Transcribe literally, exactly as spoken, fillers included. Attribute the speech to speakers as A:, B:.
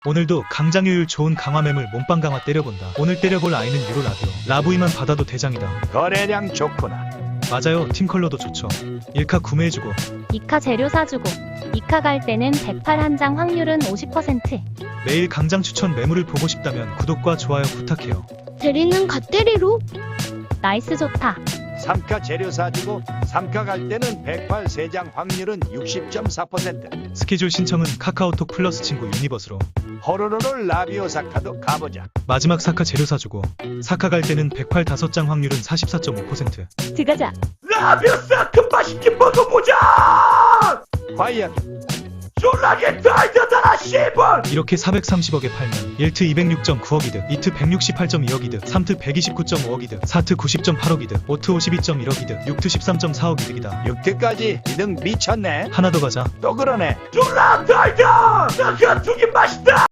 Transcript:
A: 오늘도 강장효율 좋은 강화매물 몸빵 강화 때려본다. 오늘 때려볼 아이는 유로 라디오. 라브이만 받아도 대장이다.
B: 거래량 좋구나.
A: 맞아요. 팀 컬러도 좋죠. 일카 구매해주고
C: 이카 재료 사주고 이카 갈 때는 백팔 한 장 확률은 오십 퍼센트.
A: 매일 강장 추천 매물을 보고 싶다면 구독과 좋아요 부탁해요.
D: 대리는 갓대리로?
C: 나이스 좋다.
B: 삼카 재료 사주고 삼카 갈 때는 백팔 세 장 확률은 육십 점 사 퍼센트.
A: 스케줄 신청은 카카오톡 플러스 친구 유니버스로.
B: 호로로로 라비오 사카도 가보자.
A: 마지막 사카 재료 사주고 사카 갈 때는 백팔 다섯 장 확률은 사십사 점 오 퍼센트.
C: 들어가자.
B: 라비오 사카 맛있게 먹어보자. 과연 졸라게 달려다라 씨발.
A: 이렇게 사백삼십억에 팔면 일 트 이백육 점 구억 이득, 이 트 백육십팔 점 이억 이득, 삼 트 백이십구 점 오억 이득, 사 트 구십 점 팔억 이득, 오 트 오십이 점 일억 이득, 육 트 십삼 점 사억 이득이다.
B: 육 트까지 이득 미쳤네.
A: 하나 더 가자.
B: 또 그러네. 졸라 달려. 사카 두개 맛있다.